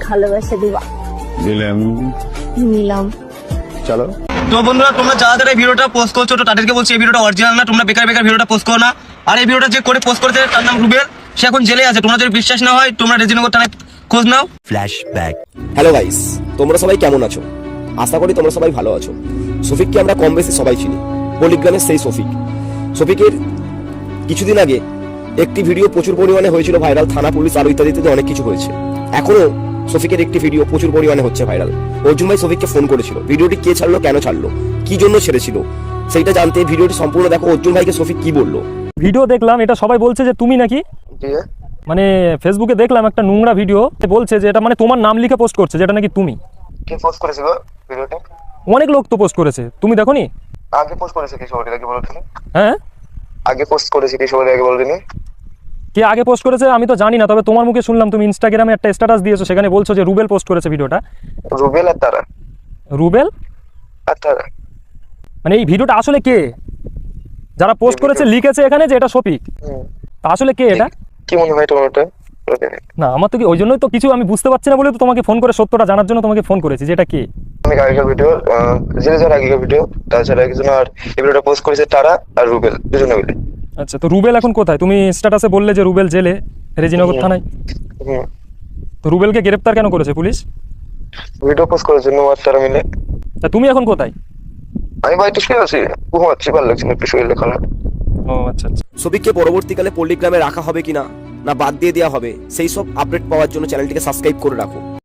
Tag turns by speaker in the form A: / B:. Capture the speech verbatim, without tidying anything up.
A: ভালোবেসে দিবা।
B: দিলাম
A: নিলাম।
B: চলো।
C: তো বন্ধুরা, তোমরা যারা যারা এই ভিডিওটা পোস্ট করছো, তো তাদেরকে বলছি এই ভিডিওটা অরিজিনাল না, তোমরা বেকার বেকার ভিডিওটা পোস্ট করো না। আর এই ভিডিওটা যে করে পোস্ট করেছে তার নাম রুবেল, সে এখন জেলে আছে। তোমরা যদি বিশ্বাস না হয় তোমরা রেজিনগর থানায় খোঁজ নাও।
D: ফ্ল্যাশব্যাক। হ্যালো গাইস, তোমরা সবাই কেমন আছো? আশা করি তোমরা সবাই ভালো আছো। শফিককে আমরা কম বেশি সবাই চিনি, পলিগ্রামের সেই শফিক। শফিকের কিছুদিন আগে একটি ভিডিও প্রচুর পরিমাণে হয়েছিল ভাইরাল, থানা পুলিশ আরো ইত্যাদিতে অনেক কিছু হয়েছে। এখনো শফিকের একটি ভিডিও প্রচুর পরিমাণে হচ্ছে ভাইরাল। অর্জুন ভাই শফিককে ফোন করেছিল, ভিডিওটি কে ছাড়লো, কেন ছাড়লো, কি জন্য ছেড়েছিল সেইটা জানতে ভিডিওটি সম্পূর্ণ দেখো। অর্জুন ভাইকে শফিক কি বললো।
E: ভিডিও দেখলাম, এটা সবাই বলছে যে তুমি নাকি, মানে ফেসবুকে দেখলাম একটা নোংরা ভিডিও, বলছে যে এটা মানে তোমার নাম লিখে পোস্ট করছে, যেটা নাকি তুমি।
F: কে পোস্ট করেছে গো ভিডিওটা?
E: অনেক লোক তো পোস্ট করেছে, তুমি দেখোনি?
F: আগে পোস্ট করেছে কি সবাই আগে বলো তুমি?
E: হ্যাঁ,
F: আগে পোস্ট করেছে কি সবাই আগে বলো তুমি?
E: কে আগে পোস্ট করেছে আমি তো জানি না, তবে তোমার মুখে শুনলাম তুমি ইনস্টাগ্রামে একটা স্ট্যাটাস দিয়েছো, সেখানে বলছো যে রুবেল পোস্ট করেছে ভিডিওটা।
F: রুবেল আর তারা?
E: রুবেল
F: আর তারা
E: মানে এই ভিডিওটা আসলে কে? যারা পোস্ট করেছে লিখেছে এখানে যে এটা শফিক, তা আসলে কে এটা?
F: কি মনে হয় তোমার ওটা?
E: না আমার তো কি, ওই জন্যই তো কিছু আমি বুঝতে পারছি না বলে তো তোমাকে ফোন করে সত্যটা জানার জন্য তোমাকে ফোন করেছি যে এটা কে।
F: অনেক আগেকার ভিডিও, জেলে যাওয়ার আগেকার ভিডিও, তাছাড়া কিছু না। আর এই ভিডিওটা পোস্ট করেছে তারা আর রুবেল, দুজনে মিলে।
E: আচ্ছা, তো রুবেল এখন কোথায়? তুমি স্ট্যাটাসে বললে যে রুবেল জেলে, রেজিনগর থানায়।
F: হুম,
E: তো রুবেলকে গ্রেফতার কেন করেছে পুলিশ?
F: ভিডিও পোস্ট করার জন্য আর তারা মিলে।
E: তা তুমি এখন কোথায়?
F: আমি বাড়িতে শুয়ে আছি, ঘুমাচ্ছি, ভালো লাগছে না একটু শরীরে খারাপ।
E: ও আচ্ছা আচ্ছা।
D: শফিককে পরবর্তীকালে পল্লিগ্রামে রাখা হবে কিনা, না বাদ দিয়ে দেওয়া হবে, সেই সব আপডেট পাওয়ার জন্য চ্যানেলটিকে সাবস্ক্রাইব করে রাখো।